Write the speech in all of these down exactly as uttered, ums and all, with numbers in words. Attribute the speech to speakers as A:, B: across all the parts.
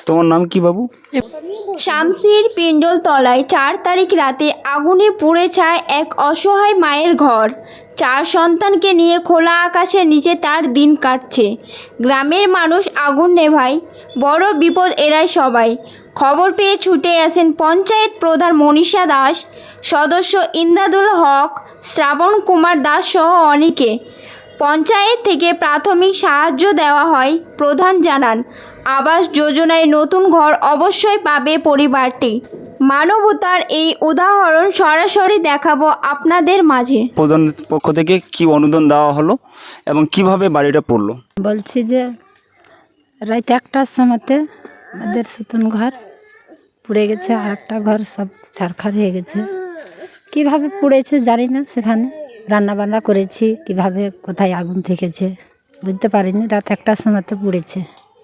A: তোমার নাম কি বাবু?
B: শামসির পিণ্ডল তলায় চার তারিখ রাতে আগুনে পুড়ে ছায় এক অসহায় মায়ের ঘর। চার সন্তানকে নিয়ে খোলা আকাশের নিচে তার দিন কাটছে। গ্রামের মানুষ আগুন নেভায়, বড় বিপদ এড়ায় সবাই। খবর পেয়ে ছুটে আসেন পঞ্চায়েত প্রধান মনীষা দাস, সদস্য ইমদাদুল হক, শ্রাবণ কুমার দাস সহ অনেকে। পঞ্চায়েত থেকে প্রাথমিক সাহায্য দেওয়া হয়। প্রধান জানান, আবাস যোজনায় নতুন ঘর অবশ্যই পাবে পরিবারটি। মানবতার এই উদাহরণ সরাসরি দেখাবো আপনাদের মাঝে।
A: প্রধান পক্ষ থেকে কি অনুদান দেওয়া হলো এবং কিভাবে বাড়িটা পড়লো?
C: বলছি যে রাত একটার সময়তে আমাদের নতুন ঘর পুড়ে গেছে, আর একটা ঘর সব ছারখার হয়ে গেছে। কিভাবে পুড়েছে জানি না, সেখানে রান্না বান্না করেছি, কিভাবে কোথায় আগুন থেকেছে বুঝতে পারিনি। রাত একটার সময়তে পুড়েছে।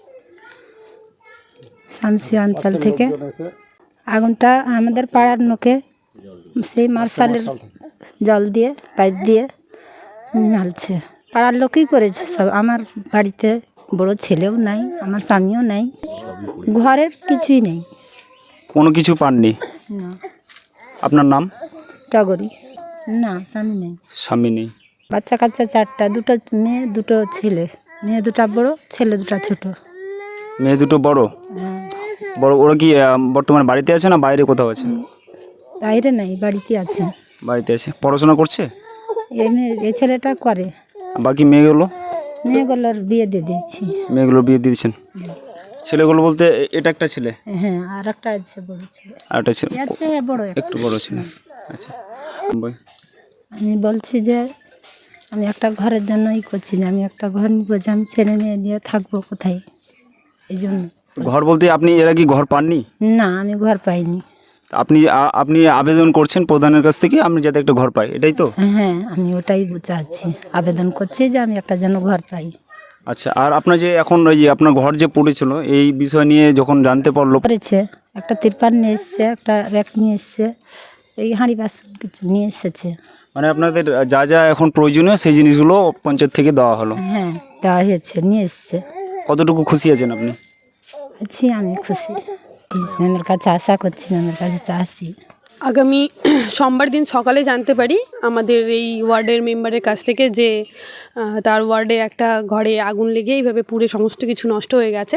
C: শামসি অঞ্চল থেকে আগুনটা আমাদের পাড়ার লোকে সেই মার্শালের জল দিয়ে পাইপ দিয়ে মালছে, পাড়ার লোকই করেছে সব। আমার বাড়িতে বড় ছেলেও নাই, আমার স্বামীও নাই, ঘরের কিছুই নেই,
A: কোনো কিছু পাননি?
C: না।
A: আপনার নাম?
C: টগরি। না, স্বামী নেই।
A: স্বামী নেই।
C: বাচ্চা কাচ্চা চারটা, দুটো মেয়ে দুটো ছেলে। মেয়ে দুটা বড়, ছেলে দুটা ছোট।
A: মেয়ে দুটো বড়?
C: হ্যাঁ।
A: বড় ওরা কি আহ, বর্তমানে বাড়িতে আছে না বাইরে কোথাও আছে?
C: বাইরে নাই, বাড়িতে আছে।
A: বাড়িতে আছে। পড়াশোনা করছে?
C: এই মেয়ে এই ছেলেটা করে।
A: বাকি মেয়েগুলো?
C: মেয়েগুলোর বিয়ে দিয়ে দিয়েছি।
A: মেয়েগুলো বিয়ে দিয়েছেন? ছেলেগুলো বলতে এ- এটা একটা ছেলে
C: হ্যাঁ, আর একটা আছে বড় ছেলে।
A: আর একটা ছেলে
C: এর চেয়ে বড় একটা।
A: একটু বড় ছেলে। আচ্ছা বল।
C: আমি বলছি যে আমি একটা ঘরের জন্যই করছি, যে আমি একটা ঘর নিব, যে আমি ছেলে মেয়ে নিয়ে থাকবো কোথায়, এই জন্য।
A: ঘর বলতে আপনি এরা কি ঘর পাননি?
C: না, আমি ঘর পাইনি।
A: আপনি আ- আপনি আবেদন করছেন প্রধানের কাছ থেকে আপনি যাতে একটা ঘর পাই, এটাই তো?
C: হ্যাঁ, আমি ওটাই চাচ্ছি, আবেদন করছি যে আমি একটা যেন ঘর পাই।
A: আচ্ছা, আর আপনার যে এখন ওই যে আপনার ঘর যে পড়েছিল এই বিষয় নিয়ে যখন জানতে পারলো?
C: করেছে, একটা তিরপাল নিয়ে এসছে, একটা র্যাক নিয়ে এসছে, এই হাঁড়ি বাসন কিছু নিয়ে এসেছে।
A: মানে আপনাদের যা যা এখন প্রয়োজনীয় সেই জিনিসগুলো পঞ্চায়েত থেকে দেওয়া হলো?
C: হ্যাঁ, দেওয়া হয়েছে, নিয়ে এসছে।
A: কতটুকু খুশি আছেন আপনি?
C: আছি, আমি খুশি। ম্যামের কাছে আশা করছি, ম্যামের কাছে চাচ্ছি।
D: আগামী সোমবার দিন সকালে জানতে পারি আমাদের এই ওয়ার্ডের মেম্বারের কাছ থেকে যে আহ, তার ওয়ার্ডে একটা ঘরে আগুন লেগে এইভাবে পুড়ে সমস্ত কিছু নষ্ট হয়ে গেছে।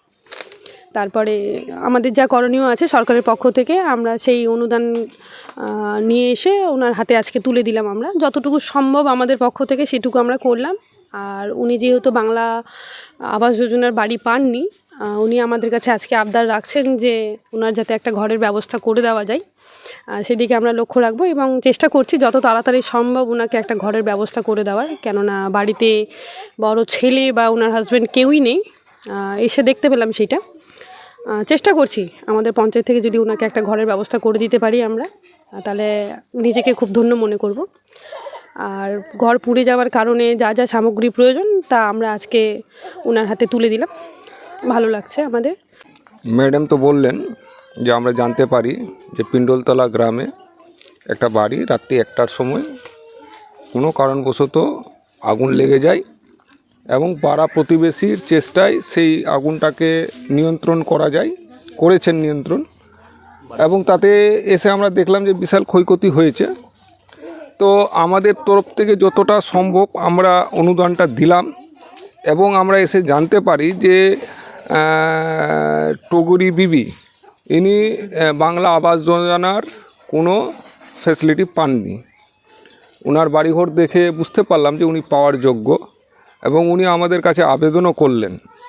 D: তারপরে আমাদের যা করণীয় আছে সরকারের পক্ষ থেকে আমরা সেই অনুদান আহ, নিয়ে এসে ওনার হাতে আজকে তুলে দিলাম। আমরা যতটুকু সম্ভব আমাদের পক্ষ থেকে সেটুকু আমরা করলাম। আর উনি যেহেতু বাংলা আবাস যোজনার বাড়ি পাননি, আহ, উনি আমাদের কাছে আজকে আবদার রাখছেন যে ওনার যাতে একটা ঘরের ব্যবস্থা করে দেওয়া যায়, আহ, সেদিকে আমরা লক্ষ্য রাখবো এবং চেষ্টা করছি যত তাড়াতাড়ি সম্ভব ওনাকে একটা ঘরের ব্যবস্থা করে দেওয়ার। কেননা বাড়িতে বড় ছেলে বা ওনার হাজব্যান্ড কেউই নেই। আহ, এসে দেখতে পেলাম সেইটা। আহ, চেষ্টা করছি আমাদের পঞ্চায়েত থেকে যদি ওনাকে একটা ঘরের ব্যবস্থা করে দিতে পারি আমরা, আহ, তাহলে নিজেকে খুব ধন্য মনে করব। আর ঘর পুড়ে যাওয়ার কারণে যা যা সামগ্রী প্রয়োজন তা আমরা আজকে ওনার হাতে তুলে দিলাম। ভালো লাগছে আমাদের।
E: ম্যাডাম তো বললেন যে আমরা জানতে পারি যে পিণ্ডলতলা গ্রামে একটা বাড়ি রাত্রি একটার সময় কোনো কারণবশত আগুন লেগে যায় এবং পাড়া প্রতিবেশীর চেষ্টায় সেই আগুনটাকে নিয়ন্ত্রণ করা যায়, করেছেন নিয়ন্ত্রণ, এবং তাতে এসে আমরা দেখলাম যে বিশাল ক্ষয়ক্ষতি হয়েছে। তো আমাদের তরফ থেকে যতটা সম্ভব আমরা অনুদানটা দিলাম এবং আমরা এসে জানতে পারি যে আহ, টগরি বিবি ইনি আহ, বাংলা আবাস যোজনার কোনো ফ্যাসিলিটি পাননি। ওনার বাড়িঘর দেখে বুঝতে পারলাম যে উনি পাওয়ার যোগ্য এবং উনি আমাদের কাছে আবেদনও করলেন।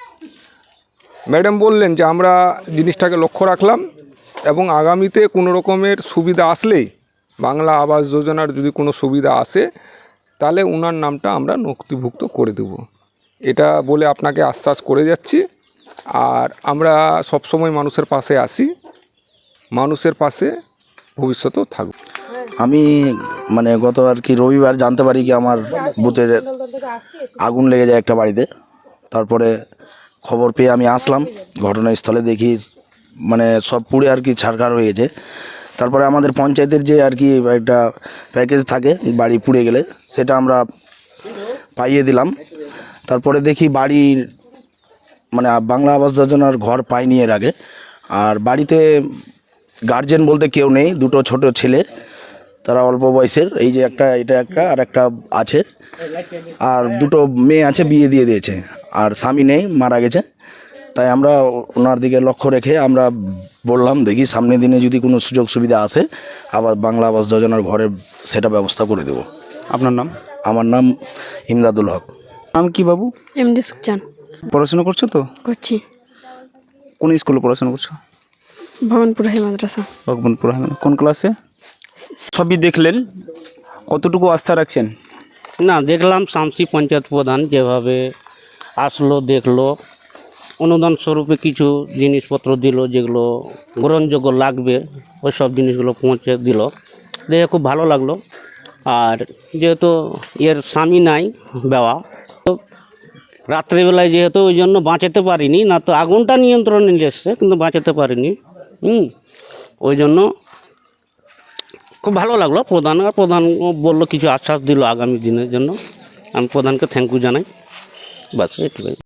E: ম্যাডাম বললেন যে আমরা জিনিসটাকে লক্ষ্য রাখলাম এবং আগামীতে কোনো রকমের সুবিধা আসলেই, বাংলা আবাস যোজনার যদি কোনো সুবিধা আসে তাহলে ওনার নামটা আমরা নথিভুক্ত করে দেব, এটা বলে আপনাকে আশ্বাস করে যাচ্ছি। আর আমরা সবসময় মানুষের পাশে আসি, মানুষের পাশে ভবিষ্যতেও থাকব।
F: আমি মানে গত আর কি রবিবার জানতে পারি কি আমার বুথের আগুন লেগে যায় একটা বাড়িতে। তারপরে খবর পেয়ে আমি আসলাম ঘটনাস্থলে, দেখি মানে সব পুড়ে আর কি ছারখার হয়ে গেছে। তারপরে আমাদের পঞ্চায়েতের যে আর কি একটা প্যাকেজ থাকে বাড়ি পুড়ে গেলে, সেটা আমরা পাইয়ে দিলাম। তারপরে দেখি বাড়ির মানে বাংলা আবাস যোজনার ঘর পায়নি এর আগে। আর বাড়িতে গার্জেন বলতে কেউ নেই, দুটো ছোট ছেলে, তারা অল্প বয়সের, এই যে একটা, এটা একটা, আর একটা আছে, আর দুটো মেয়ে আছে, বিয়ে দিয়ে দিয়েছে, আর স্বামী নেই, মারা গেছে। তাই আমরা ওনার দিকে লক্ষ্য রেখে আমরা বললাম দেখি সামনের দিনে যদি কোনো সুযোগ সুবিধা আসে আবার বাংলা আবাস যোজনার ঘরের সেটা ব্যবস্থা করে দেব।
A: আপনার নাম?
F: আমার নাম ইমদাদুল হক।
A: নাম কি বাবু?
D: এমডি সুকচান।
A: পড়াশোনা করছো তো?
D: করছি
A: কোন স্কুলে পড়াশোনা করছো?
D: ভবনপুর হাই মাদ্রাসা।
A: ভগবানপুর হাই। কোন ক্লাসে? সবই দেখলেন, কতটুকু আস্থা রাখছেন?
G: না, দেখলাম শামসি পঞ্চায়েত প্রধান যেভাবে আসলো, দেখলো, অনুদান স্বরূপে কিছু জিনিসপত্র দিল যেগুলো গ্রহণযোগ্য লাগবে, ওই সব জিনিসগুলো পৌঁছে দিল, দেখে খুব ভালো লাগলো। আর যেহেতু এর স্বামী নাই বেওয়া, তো রাত্রিবেলায় যেহেতু ওই জন্য বাঁচাতে পারিনি, না তো আগুনটা নিয়ন্ত্রণে নিয়ে এসছে কিন্তু বাঁচাতে পারিনি। হুম ওই জন্য খুব ভালো লাগলো। প্রধান আর প্রধান বললো, কিছু আশ্বাস দিল আগামী দিনের জন্য। আমি প্রধানকে থ্যাংক ইউ জানাই। বাস এটুকুই।